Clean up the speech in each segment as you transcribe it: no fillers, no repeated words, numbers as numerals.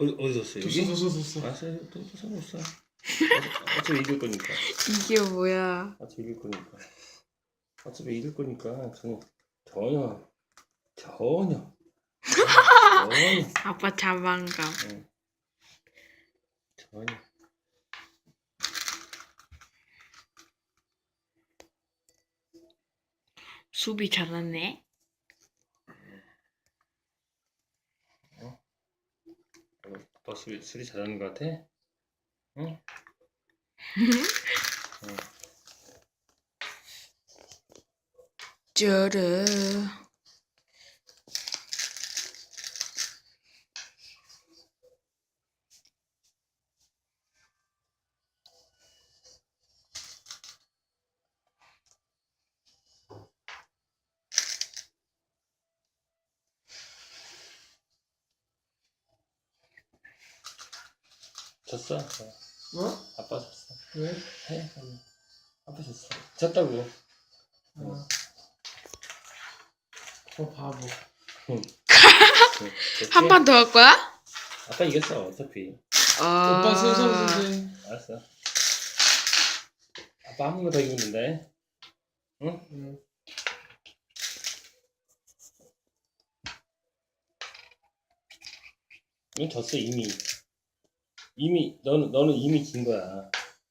어디 뒀어? 여기? 줬어. 알았어, 또 상관없어. 어차피 이길 거니까. 이게 뭐야? 어차피 이길 거니까. 어차피 이길 거니까 전혀 전혀. 아빠 자만감. 응, 전혀. 수비 잘하네. 너 수리 잘하는 거 같아? 응? 응. 쩌르. 졌어. 어? 아빠 졌어. 왜? 해. 빨리. 아빠 졌어. 졌다고. 어. 바보. 응. 한 판 더 할 거야? 아빠 이겼어 어차피. 오빠 순서인데. 알았어. 아빠 한 번만 더 이기면 된다. 응? 응. 이건 졌어 이미. 너는 이미 진 거야.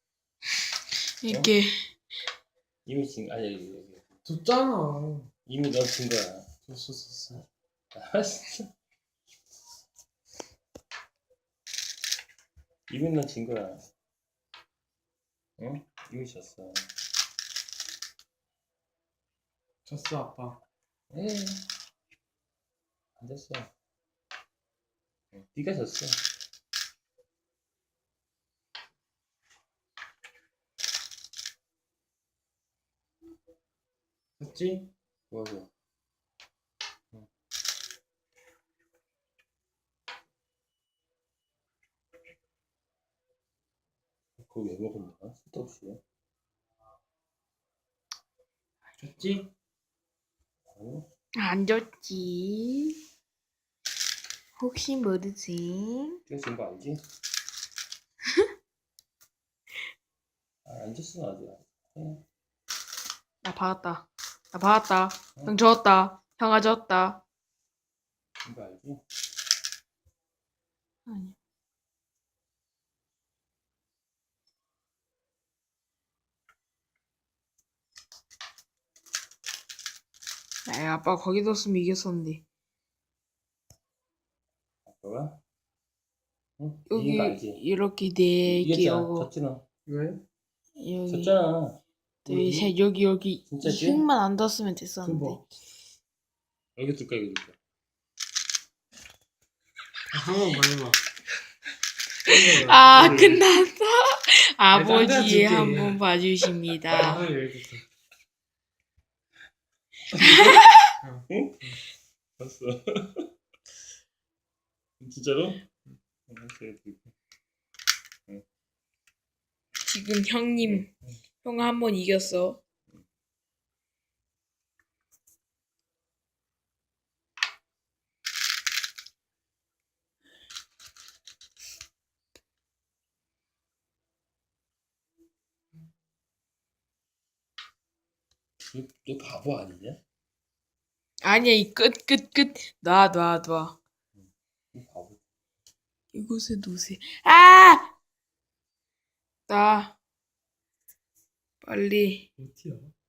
이게 이미 진 아니 여기. 줬잖아. 이미 너 진 거야. 줬어. 알았어. 이미 너 진 거야. 응? 이미 졌어. 줬어 아빠. 에. 안 됐어. 응, 네가 졌어. 됐지? 뭐하고? 응. 그거 왜 먹었냐? 쓸데없이. 됐지? 아니? 안 졌지. 혹시 모르지? 네가 진 거 알지? 안 졌어 아직. 응. 나 받았다. 형 졌다. 형아 졌다. 진 거 알지? 아니. 야, 아빠 거기 뒀으면 이겼었는데. 아빠가? 응? 이긴 거 여기 알지? 이렇게 네 개 이겼잖아. 오고 졌지 너. 왜? 여기 졌잖아. 둘, 셋 여기 이 진짜지? 흙만 안 뒀으면 됐었는데. 뭐? 여기 둘까 여기 둘까? 한번 말해봐. 아 끝났어. 딴 데한테 아버지 줄게. 한번 봐주십니다. 하나 여기부터. 응? 봤어. 진짜로? 알았어, 여기 둘까? 지금 형님 형 한 번 이겼어. 너 바보 아니냐? 아니야 이 끝. 놔. 너 바보. 이곳에 놓으세요. 아! 나 빨리. 어디야?